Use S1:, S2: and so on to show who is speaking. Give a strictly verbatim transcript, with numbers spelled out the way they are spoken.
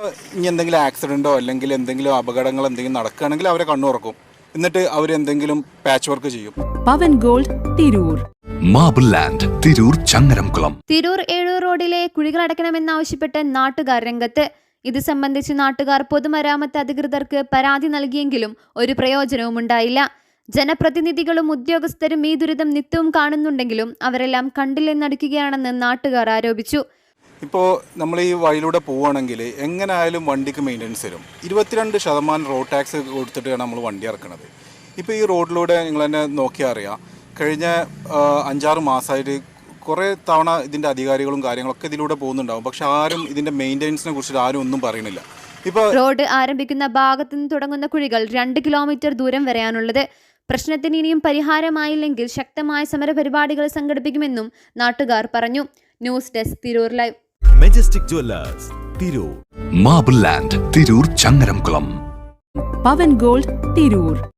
S1: ഇനി എന്തെങ്കിലും ആക്സിഡൻറ്റോ അല്ലെങ്കിൽ എന്തെങ്കിലും അപകടങ്ങൾ എന്തെങ്കിലും നടക്കുകയാണെങ്കിൽ അവരെ കണ്ണുറക്കും. എന്നിട്ട് അവർ എന്തെങ്കിലും പാച്ച് വർക്ക് ചെയ്യും.
S2: Pavan gold Tirur,
S3: marble land Tirur Changaramkulam.
S4: Tirur Ezhur റോഡിലെ കുഴികളടക്കണമെന്നാവശ്യപ്പെട്ട് നാട്ടുകാർ രംഗത്ത്. ഇത് സംബന്ധിച്ച് നാട്ടുകാർ പൊതുമരാമത്ത് അധികൃതർക്ക് പരാതി നൽകിയെങ്കിലും ഒരു പ്രയോജനവും ഉണ്ടായില്ല. ജനപ്രതിനിധികളും ഉദ്യോഗസ്ഥരും ഈ ദുരിതം നിത്യവും കാണുന്നുണ്ടെങ്കിലും അവരെല്ലാം കണ്ടില്ലെന്നടിക്കുകയാണെന്ന് നാട്ടുകാർ ആരോപിച്ചു.
S1: ഇപ്പോൾ നമ്മൾ ഈ വഴിയിലൂടെ പോവുകയാണെങ്കിൽ എങ്ങനെയായാലും വണ്ടിക്ക് മെയിൻ്റനൻസ് വരും. ഇരുപത്തിരണ്ട് ശതമാനം റോഡ് ടാക്സ് കൊടുത്തിട്ടാണ് നമ്മൾ വണ്ടി ഇറക്കുന്നത്. ഇപ്പോൾ ഈ റോഡിലൂടെ നിങ്ങൾ തന്നെ നോക്കിയാൽ അറിയാം, കഴിഞ്ഞ അഞ്ചാറ് മാസമായിട്ട് കുറേ തവണ ഇതിൻ്റെ അധികാരികളും കാര്യങ്ങളൊക്കെ ഇതിലൂടെ പോകുന്നുണ്ടാവും. പക്ഷെ ആരും ഇതിൻ്റെ മെയിൻ്റനൻസിനെ കുറിച്ചിട്ട് ആരും ഒന്നും പറയുന്നില്ല. ഇപ്പോൾ
S4: റോഡ് ആരംഭിക്കുന്ന ഭാഗത്തു നിന്ന് തുടങ്ങുന്ന കുഴികൾ രണ്ട് കിലോമീറ്റർ ദൂരം വരെയാണുള്ളത്. പ്രശ്നത്തിന് ഇനിയും പരിഹാരമായില്ലെങ്കിൽ ശക്തമായ സമരപരിപാടികൾ സംഘടിപ്പിക്കുമെന്നും നാട്ടുകാർ പറഞ്ഞു. News desk Tirur live.
S5: Majestic jewellers Tirur,
S3: marble land Tirur Changaramkulam.
S2: Pavan gold Tirur.